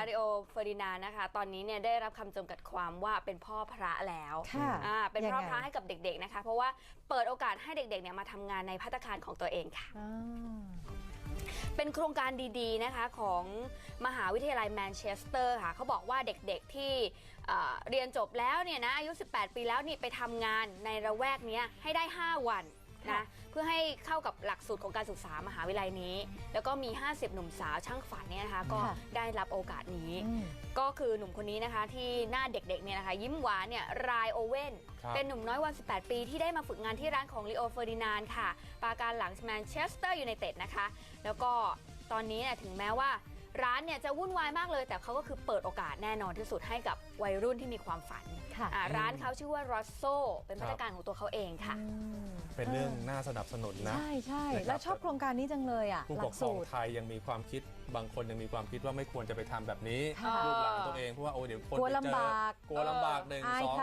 ริโอเฟอร์ดินานด์นะคะตอนนี้เนี่ยได้รับคำจำกัดความว่าเป็นพ่อพระแล้วเป็นพ่อพระให้กับเด็กๆนะคะเพราะว่าเปิดโอกาสให้เด็กๆเนี่ยมาทำงานในภัตตาคารของตัวเองค่ะเป็นโครงการดีๆนะคะของมหาวิทยาลัยแมนเชสเตอร์ค่ะเขาบอกว่าเด็กๆที่เรียนจบแล้วเนี่ยนะอายุ18 ปีแล้วนี่ไปทำงานในระแวกนี้ให้ได้5 วันนะเพื่อให้เข้ากับหลักสูตรของการศึกษามหาวิทยาลัยนี้แล้วก็มี50หนุ่มสาวช่างฝันเนี่ยนะคะก็ได้รับโอกาสนี้ก็คือหนุ่มคนนี้นะคะที่หน้าเด็กๆเนี่ยนะคะยิ้มหวานเนี่ยรายโอเว่นเป็นหนุ่มน้อยวัย18 ปีที่ได้มาฝึกงานที่ร้านของลีโอเฟอร์ดินานด์ค่ะปราการหลังแมนเชสเตอร์ยูไนเต็ดนะคะแล้วก็ตอนนี้เนี่ยถึงแม้ว่าร้านเนี่ยจะวุ่นวายมากเลยแต่เขาก็คือเปิดโอกาสแน่นอนที่สุดให้กับวัยรุ่นที่มีความฝันร้านเขาชื่อว่ารอสโซเป็นมาตรการของตัวเขาเองค่ะเป็นเรื่องน่าสนับสนุนนะใช่แล้วชอบโครงการนี้จังเลยอ่ะผู้ปกครองไทยยังมีความคิดบางคนยังมีความคิดว่าไม่ควรจะไปทำแบบนี้ลูกหลานตัวเองเพราะว่าเดี๋ยวคนกลัวลำบาก 1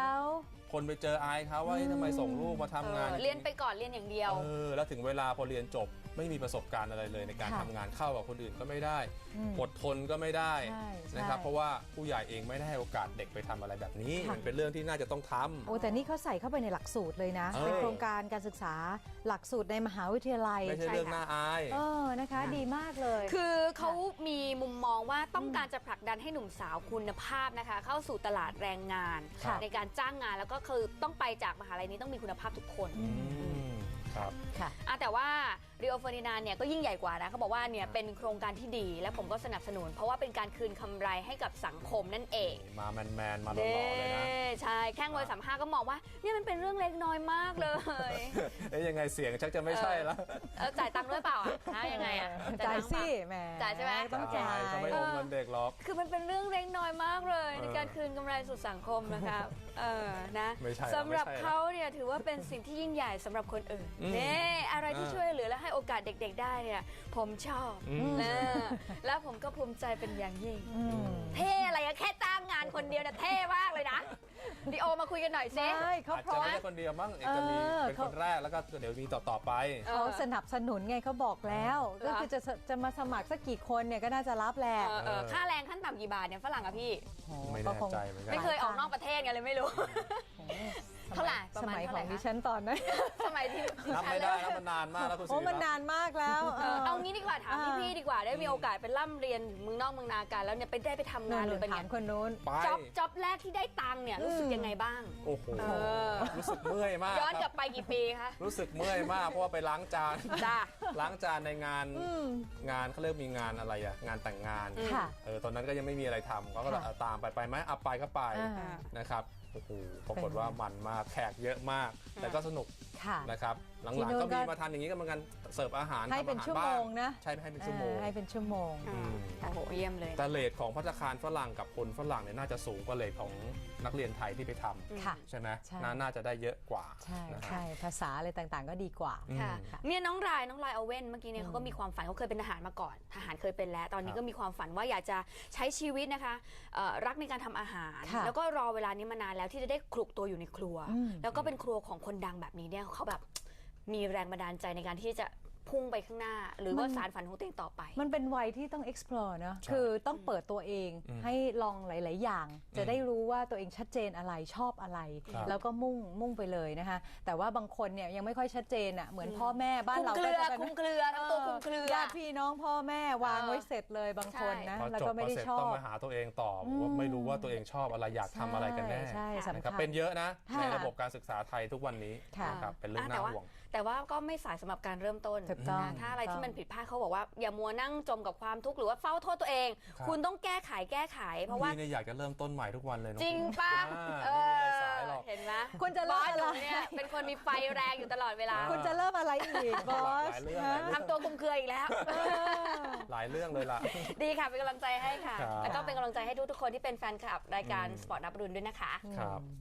2คนไปเจออายเขาว่าทำไมส่งลูกมาทำงานเรียนไปก่อนเรียนอย่างเดียวแล้วถึงเวลาพอเรียนจบไม่มีประสบการณ์อะไรเลยในการทำงานเข้ากับคนอื่นก็ไม่ได้อดทนก็ไม่ได้นะครับเพราะว่าผู้ใหญ่เองไม่ได้ให้โอกาสเด็กไปทำอะไรแบบนี้มันเป็นเรื่องที่น่าจะต้องทำแต่นี่เขาใส่เข้าไปในหลักสูตรเลยนะเป็นโครงการการศึกษาหลักสูตรในมหาวิทยาลัยไม่ใช่เรื่องน่าอายนะคะดีมากเลยคือเขามีมุมมองว่าต้องการจะผลักดันให้หนุ่มสาวคุณภาพนะคะเข้าสู่ตลาดแรงงานในการจ้างงานแล้วก็คือต้องไปจากมหาลัยนี้ต้องมีคุณภาพทุกคนครับแต่ว่าริโอเฟอร์ดินานด์เนี่ยก็ยิ่งใหญ่กว่านะเขาบอกว่าเนี่ยเป็นโครงการที่ดีและผมก็สนับสนุนเพราะว่าเป็นการคืนกำไรให้กับสังคมนั่นเองมาแมนมาหล่อๆเลยนะใช่แข้งวัย35ก็มองว่าเนี่ยมันเป็นเรื่องเล็กน้อยมากเลยยังไงเสียงชักจะไม่ใช่แล้วจ่ายตังค์ด้วยเปล่ายังไงจ่ายสิแหมจ่ายใช่ไหมต้องจ่ายเขาไม่อมเงินเด็กหรอกคือมันเป็นเรื่องเล็กน้อยมากเลยในการคืนกำไรสู่สังคมนะครับนะสำหรับเขาเนี่ยถือว่าเป็นสิ่งที่ยิ่งใหญ่สำหรับคนอื่นเนี่ยอะไรที่ช่วยเหลือและให้โอกาสเด็กๆได้เนี่ยผมชอบแล้วผมก็ภูมิใจเป็นอย่างยิ่งเท่อะไรอะแค่จ้างงานคนเดียวเนี่ยเท่มากเลยนะดิโอมาคุยกันหน่อยสิเขาพร้อมไม่ใช่คนเดียวมั้งจะมีเป็นคนแรกแล้วก็เดี๋ยวมีต่อไปเขาสนับสนุนไงเขาบอกแล้วก็คือจะมาสมัครสักกี่คนเนี่ยก็น่าจะรับแหละค่าแรงขั้นต่ำกี่บาทเนี่ยฝรั่งอะพี่ไม่แน่ใจเหมือนกันไม่เคยออกนอกประเทศไงเลยไม่รู้เท่าไหร่สมัยของดิฉันตอนนั้นสมัยที่นับไม่ได้แล้วมันนานมากแล้วคุณสิมันนานมากแล้วเอางี้ดีกว่าถามพี่ดีกว่าได้มีโอกาสไปร่ำเรียนเมืองนอกเมืองนากันแล้วเนี่ยได้ไปทำงานหรือเป็นถามคนนู้นจ็อบแรกที่ได้ตังค์เนี่ยรู้สึกยังไงบ้างโอ้โหรู้สึกเมื่อยมากย้อนกลับไปกี่ปีคะรู้สึกเมื่อยมากเพราะว่าไปล้างจานล้างจานในงานเขาเรียกมีงานอะไรอะงานแต่งงานตอนนั้นก็ยังไม่มีอะไรทำก็ตามไปไหมเอาไปก็ไปนะครับโอ้โหปรากฏว่ามันมากแขกเยอะมากแต่ก็สนุกนะครับหลังๆก็มีมาทานอย่างนี้กันเหมือนกันเสิร์ฟอาหารให้เป็นชั่วโมงนะใช่ให้เป็นชั่วโมงโอ้โหเยี่ยมเลยแต่เรทของภัตตาคารฝรั่งกับคนฝรั่งเนี่ยน่าจะสูงกว่าเรทของนักเรียนไทยที่ไปทำใช่ไหมน่าจะได้เยอะกว่าใช่ภาษาอะไรต่างๆก็ดีกว่าเนี่ยน้องรายเอาเว่นเมื่อกี้เนี่ยเขาก็มีความฝันเขาเคยเป็นทหารมาก่อนทหารเคยเป็นแล้วตอนนี้ก็มีความฝันว่าอยากจะใช้ชีวิตนะคะรักในการทำอาหารแล้วก็รอเวลานี้มานานแล้วที่จะได้คลุกตัวอยู่ในครัวแล้วก็เป็นครัวของคนดังแบบนี้เนี่ยเขาแบบมีแรงบันดาลใจในการที่จะพุ่งไปข้างหน้าหรือว่าสารฝันของตัวเองต่อไปมันเป็นวัยที่ต้อง explore นะคือต้องเปิดตัวเองให้ลองหลายๆอย่างจะได้รู้ว่าตัวเองชัดเจนอะไรชอบอะไรแล้วก็มุ่งไปเลยนะคะแต่ว่าบางคนเนี่ยยังไม่ค่อยชัดเจนอ่ะเหมือนพ่อแม่บ้านเราคุมเครือทั้งตัวคุมเครือญาติพี่น้องพ่อแม่วางไว้เสร็จเลยบางคนนะแล้วก็ไม่ได้ชอบต้องมาหาตัวเองต่อว่าไม่รู้ว่าตัวเองชอบอะไรอยากทำอะไรกันแน่นะครับเป็นเยอะนะในระบบการศึกษาไทยทุกวันนี้นะครับเป็นเรื่องน่าห่วงแต่ว่าก็ไม่สายสำหรับการเริ่มต้นถ้าอะไรที่มันผิดพลาดเขาบอกว่าอย่ามัวนั่งจมกับความทุกข์หรือว่าเฝ้าโทษตัวเองคุณต้องแก้ไขเพราะว่าอยากจะเริ่มต้นใหม่ทุกวันเลยจริงปะเห็นไหมคุณจะเริ่มอะไรเนี่ยเป็นคนมีไฟแรงอยู่ตลอดเวลาคุณจะเริ่มอะไรอีกบอสทำตัวกุมเครืออีกแล้วหลายเรื่องเลยล่ะดีค่ะเป็นกำลังใจให้ค่ะแล้วก็เป็นกำลังใจให้ทุกคนที่เป็นแฟนคลับรายการสปอร์ตนับรุนด้วยนะคะ